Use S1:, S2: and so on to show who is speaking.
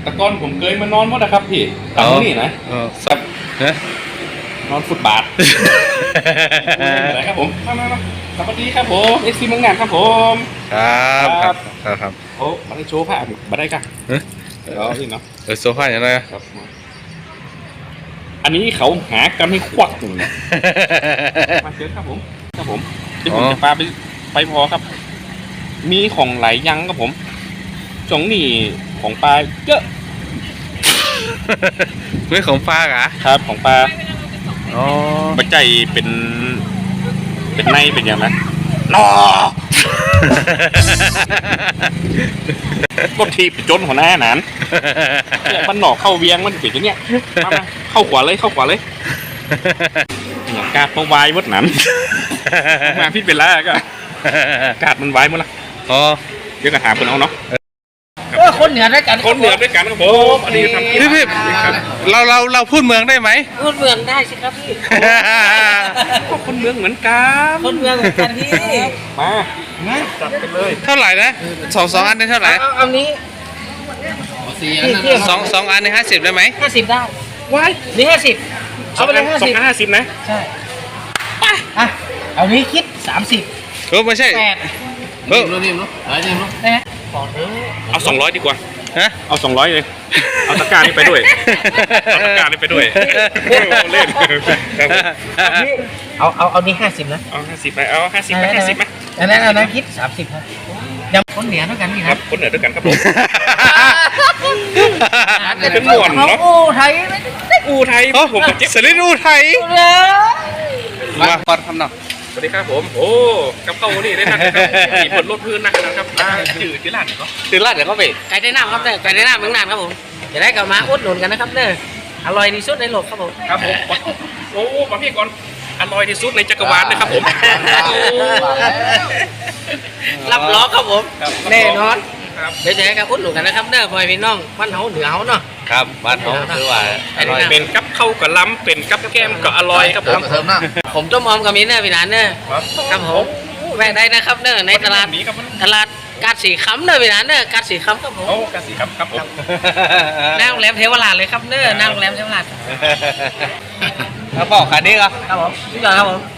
S1: แต่ก่อนผมเคยมานอนหมดนะครับพี่ตามนี่นะ
S2: สับนะ
S1: นอนฟุตบาทอะไรครับผมมาสวัสดีครับผมเอ็กซีเมืองงานครับผม
S2: ครับ
S1: โอ้มาได้โชว์ผ้ามาได้กันเดี๋ยวพี่เนาะ
S2: โซฟาอย่างไร
S1: ครับอันนี้เขาหากันให้ควักหนึ่งนะมาเจอครับผมเดี๋ยวผมจะพาไปพอครับ มีของหลายอยังครับผมจงนี่ของปลาเยอะ
S2: ไม่ของปลาเหรอ
S1: ครับของปลา
S2: อ๋อ
S1: ปัจจัยเป็นในเป็นอย่างไรนอ ก็ทีบจนหัวหน้าหนานเนี่ยมันหนอกเข้าเวียงมันเป็นอย่างเนี้ยมาเข้าขวาเลยอย่างกาดมาวายมดหนานมาพิษเป็นแล้วก็กาดมันวายหมดละเดี๋ยวก็หาคนเอาเนาะ
S3: คนเหนือด้วยกัน
S1: คนเหนือด้วยกันครับผมอันนี้ทำ
S2: พี่เราพูดเมืองได้ไหม
S3: พูดเมืองได้สิครับพี่
S1: ก็คนเมืองเหมือนกัน
S3: คนเมืองเหมือนกันพี่
S1: มาจัดกันเลย
S2: เท่าไหร่นะสองอันได้เท่าไหร่
S3: เอานี้
S2: สองอันใน50ได้ไหม
S3: 50ได้
S1: ว้าย
S3: นี่50เอาไปเลย
S1: 250นะ
S3: ใช่อ่ะเอานี้คิด30
S2: ไม่ใช่
S3: 8
S2: นิ่มเนาะนิ่มเนาะ
S3: นะฮะขอเถอะ
S1: เอา200ดีกว่า
S2: ฮะ
S1: เอา200เลยเอาตะกร้านี่ไปด้วยเอาตะกร้านี่ไปด้วยเล่น
S3: เอานี้50นะ
S1: เอา50ไปเอา50ไป50ไหม
S3: อันนั้นคิด30ครับยังคนเหนือด้วยกันนี่
S1: ค
S3: ค
S1: รั
S3: รั
S1: บบ คนเหนือด้วยกันครับผม เป็นหม
S3: ข
S1: ว
S3: อน ง
S1: เนาะ
S3: อูไทยไม่ได้
S1: อูไทยผมกับเจ๊
S2: สลิดอูไทย
S3: เลย
S2: มาปัดคำหนัก
S1: สวัสดีครับผมโอ้กับเข้านี่ได้นะครับมีผลลดพื้นนะครับชื่อร้านเหรอ
S2: ตื่นลาดเดี๋ยวเขาไป
S3: ไก่ได้น้ำครับไก่ได้น้ำเมืองนานครับผมจะได้กลับมาอุดหนุนกันนะครับเด้ออร่อยที่สุดในโลกครับผม
S1: ครับผมโอ้มาพี่ก่อนอร่อยที่สุดในจักรวาลนะครับผม
S3: รับล้อครับผมแน่นอน
S1: ครับ
S3: เดี๋ยวจะให้กับอุดหนุนกันนะครับเด้อพ่อพี่น้องบ้านเฮาเหนือเฮาเนาะ
S2: ครับบ้านเขาคือว่าอร่อย
S1: เป็นกับข้าวกับล้ำเป็นกับแก้มก็อร่อยครับผม
S3: ผมต้มอมกับมีเนอร์พี่นานเนอร์ครับผมแวะได้นะครับเนอร์ในตลาด
S1: นี้ครับ
S3: ตลาดกาดสีคำเนอร์พี่นานเนอร์กาดสีคำครับผม
S1: โอ้กสิครับครับผม
S3: หน้าโรงแรมเทวราชเลยครับเนอร์หน้าโรงแรมเทวราช
S2: แล้วบอกคันนี้ก็
S3: ครับผมสุดยอดครับผม